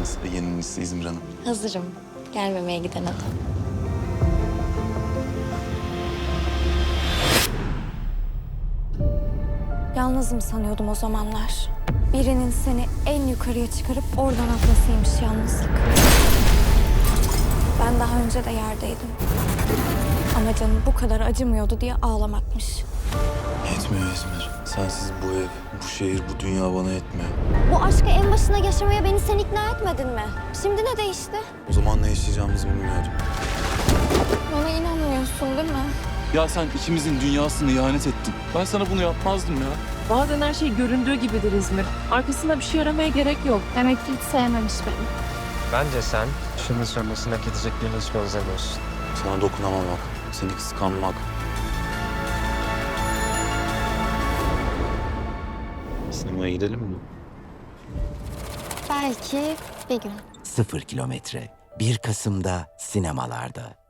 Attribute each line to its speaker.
Speaker 1: mısınız Ege'nin ünlüsü İzmir Hanım?
Speaker 2: Hazırım. Gelmemeye giden adam.
Speaker 3: Yalnızım sanıyordum o zamanlar. Birinin seni en yukarıya çıkarıp oradan atmasıymış yalnızlık. Ben daha önce de yerdeydim. Ama canım bu kadar acımıyordu diye ağlamakmış.
Speaker 1: Yetmiyor İzmir. Sensiz bu ev, bu şehir, bu dünya bana yetmiyor.
Speaker 3: Bu aşkı en başına yaşamaya beni sen ikna etmedin mi? Şimdi ne değişti?
Speaker 1: O zaman ne yaşayacağımızı bilmiyordum.
Speaker 3: Bana inanmıyorsun değil mi?
Speaker 4: Ya sen ikimizin dünyasını ihanet ettin. Ben sana bunu yapmazdım ya.
Speaker 5: Bazen her şey göründüğü gibidir İzmir. Arkasında bir şey aramaya gerek yok.
Speaker 3: Demek ki hiç sevmemiş beni.
Speaker 6: Bence sen şunu söylemesini hak edecek birini hiç benzemiyorsun.
Speaker 1: Sana dokunamamak, seni kıskanmak. Sinemaya gidelim mi?
Speaker 3: Belki bir gün.
Speaker 7: 0 kilometre 1 Kasım'da sinemalarda.